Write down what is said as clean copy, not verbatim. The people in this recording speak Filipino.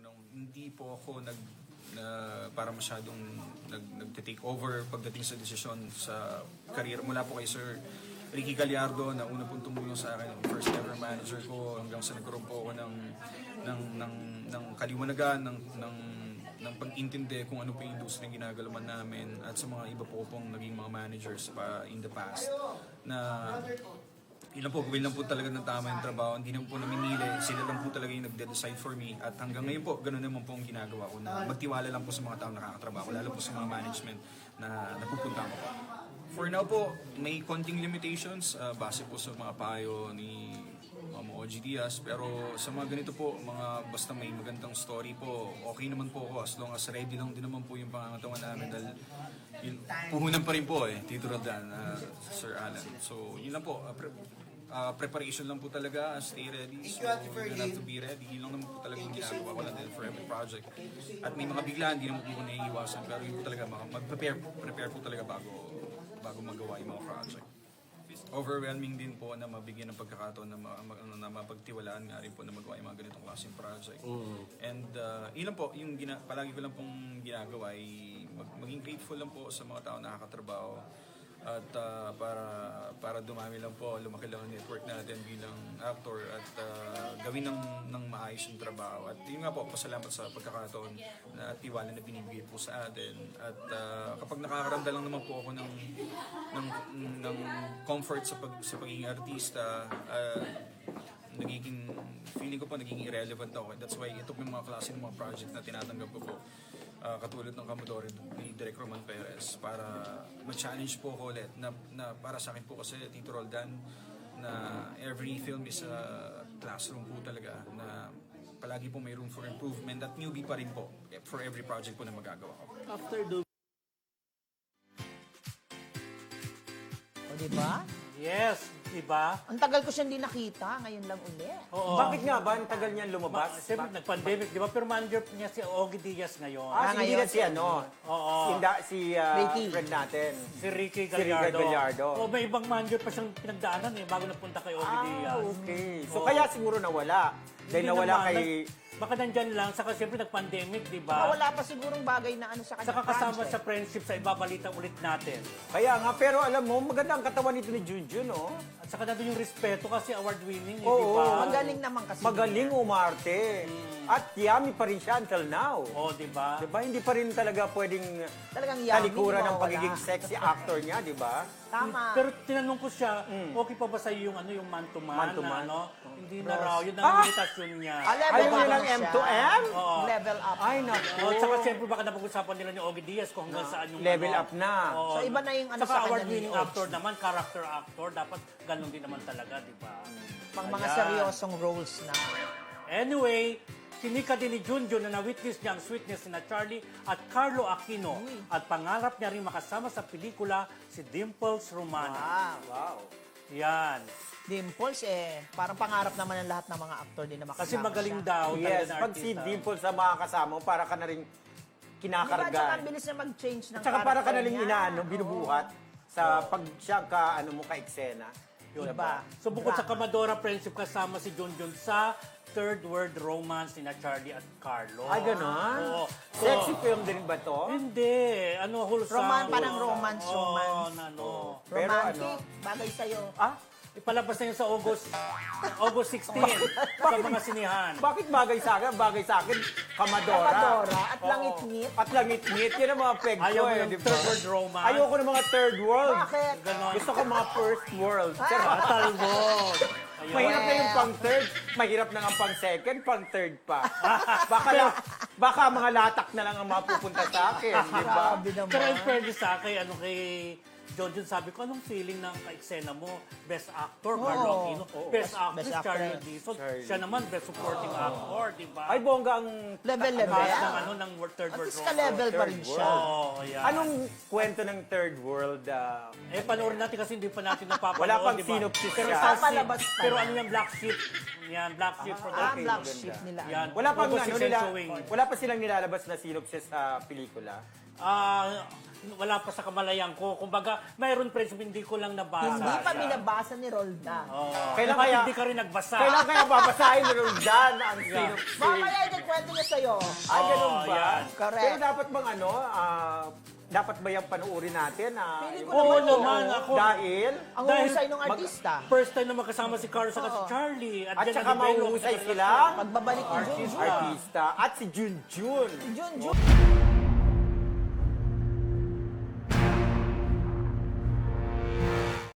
hindi po ako para masyadong nagte-take over pagdating sa desisyon sa career mula po kay Sir Ricky Gallardo na una pong tumulong sa akin, yung first ever manager ko, hanggang sa nagkaroon po ako ng kaliwanagan, ng pag-intindi kung ano po yung industry na ginagalaman namin, at sa mga iba po pong naging mga managers pa in the past na yun lang po, gawin lang po talaga ng tama yung trabaho. Hindi naman po naminili. Sila lang po talaga yung nagde-decide for me. At hanggang ngayon po, ganoon naman po ang ginagawa ko na magtiwala lang po sa mga taong nakakatrabaho, lalo po sa mga management na napupunta ko. For now po, may konting limitations base po sa mga payo ni OG Diaz. Pero sa mga ganito po, basta may magandang story po, okay naman po ako as long as ready lang din naman po yung pangangatawan namin dahil yun, puhunan pa rin po Tito Roldan, Sir Alan. So yun lang po, preparation lang po talaga, stay ready. So you don't have to be ready. Yun lang naman po talaga yung ginagawa ko lang din for every project. At may mga biglaan, hindi naman po naiiwasan, pero yun po talaga, mag-prepare po talaga bago magawa yung mga project. Overwhelming din po na mabigyan ng pagkakataon na mapagtiwalaan nga rin po na magawa yung mga ganitong klaseng project. And ilan po, yung palagi ko lang pong ginagawa ay maging grateful lang po sa mga tao na nakakatrabaho. At para dumami lang po, lumaki lang ang network natin bilang actor at gawin ng maayos yung trabaho. At yun nga po, pasalamat sa pagkakataon na tiwala na binibigay po sa atin. At kapag nakakaramdam lang naman po ako ng comfort sa pagiging artista, feeling ko po naging irrelevant ako. That's why ito po yung mga klase ng mga project na tinatanggap ko po. Katulad ng Commodore ni Direk Roman Perez para ma-challenge po ko ulit na para sa akin po kasi Tito Roldan na every film is a classroom po talaga na palagi po may room for improvement at newbie pa rin po for every project po na magagawa ko. After the... O, diba? Yes, diba? Ang tagal ko siya hindi nakita, ngayon lang uli. Oo. Bakit nga ba? Ang tagal niyan lumabas? Siyempre, nag-pandemic, di ba? Pero manager niya si Ogie Diaz ngayon. Hindi ngayon, na si ano? Oo. Si Ricky. friend natin. Si Ricky Si Ricky Gallardo. O, may ibang manager pa siyang pinagdaanan bago napunta kay Ogie Diaz. Okay. So Oo. kaya siguro nawala. Dahil Hindi nawala naman, kay... Baka nandyan lang, saka siyempre nag-pandemic, di Ah, ba? wala pa sigurong bagay na ano sa kanya. Saka kasama project. sa friendship sa ibabalita ulit natin. Kaya nga, pero alam mo, maganda ang katawan nito ni Junjun, no? At saka nandun yung respeto kasi award-winning, di Oo. ba? Magaling naman kasi. Magaling umarte. At yummy pa rin siya until now. Oo, di ba? Diba? Hindi pa rin talaga pwedeng Talagang yummy, talikuran ng mawawala. pagiging sexy actor niya, di ba? Tama. Pero tinanong ko siya, okay pa ba sa'yo yung man-to-man? Man-to-man. Na, Hindi na raw, yun ang limitasyon niya. Level Ayaw niya up ng siya. M2M? Oo. Level up. Ay, naku. At saka siyempre baka napag-usapan nila ni Ogie Diaz kung hanggang saan yung Level ano. up na. Oo. So, iba na yung ano Saka sa kanya award-winning ni Ogie. actor naman, character actor, dapat ganun din naman talaga, di ba? Pang mga Ayan. seryosong roles na. Anyway, sinika din ni Junjun na na-witness niya ang sweetness ni Charlie at Carlo Aquino at pangarap niya rin makasama sa pelikula si Dimples Romana. Wow. Wow. Yan. Dimples parang pangarap naman ng lahat ng mga actor din na makasama Kasi magaling siya. daw talaga Yes, na pag si artista. Dimple sa mga kasama mo, para ka na rin Diba, kinakarga. tsaka ang bilis na mag-change ng Tsaka para ka na character rin niya. binubuhat sa pag siya ka-eksena. Diba? So bukod sa Drama. Kamadora Friendship, kasama si Junjun sa Third World Romance ni Charlie at Carlo. Ay, ganon? Oo. So, Sexy film din ba to? Hindi. Ano, wholesome. Parang romance. Oo, ano. Pero Romantic, bagay sa'yo. Ah? Ipalabas na yun sa August 16 sa mga sinihan. Bakit bagay sa akin? Bagay sa akin, Kamadora. Kamadora at Oo. langit-ngit. At langit-ngit. Yan ang mga peg ko Ayaw mo eh, yung di ba? Third World Romance. Ayoko ng mga third world. Bakit? Ganon. Gusto ko mga first world. Talbot. Ayun. Mahirap na yung pang third, mahirap na nga pang second, pang third pa. Baka mga latak na lang ang mapupunta sa akin, di ba? Grabe naman. Pero in fairness sa akin, kay Junjun, sabi ko, anong feeling ng ka-eksena mo? Best actor, Carlo Aquino. Best actress, Best Charlie actress. Dizon. Siya naman, best supporting actor, di ba? Ay, bongga ang... Level. Cast ng Third At World least Romance. ka-level pa rin Third siya. Oo, yan. Anong kwento ng third world? Panoorin natin kasi hindi pa natin napapanood, Wala pang di ba? synopsis Pero siya. sa Papalabas pa Pero lang. ano yung Black Sheep? Yan, Black Sheep Production. okay, Black maganda. sheep nila. Yan. Wala pang August ano 6 nila, showing. wala pa silang nilalabas na synopsis sa pelikula. wala pa sa kamalayan ko. Kumbaga, mayroon friends, hindi ko lang nabasa. Hindi pa Yan. binabasa ni Roldan. Oo. Kailan Dapat kaya- hindi ka rin nagbasa. Kailan kaya babasahin ni Roldan ang sino? Mamaya ikikwento niya sa'yo. Ah, ganun Oo, ba? yan. Correct. Pero dapat bang dapat ba yung panuorin natin? Feeling ko Oo naman, naman, oo. ako. Dahil? Ang Dahil husay ng artista. First time na magkasama si Carlos at si Oo. Charlie. At dyan saka na-develop mahusay sa sila. Pagbabalik ni Junjun. Artista. At si Junjun. Junjun.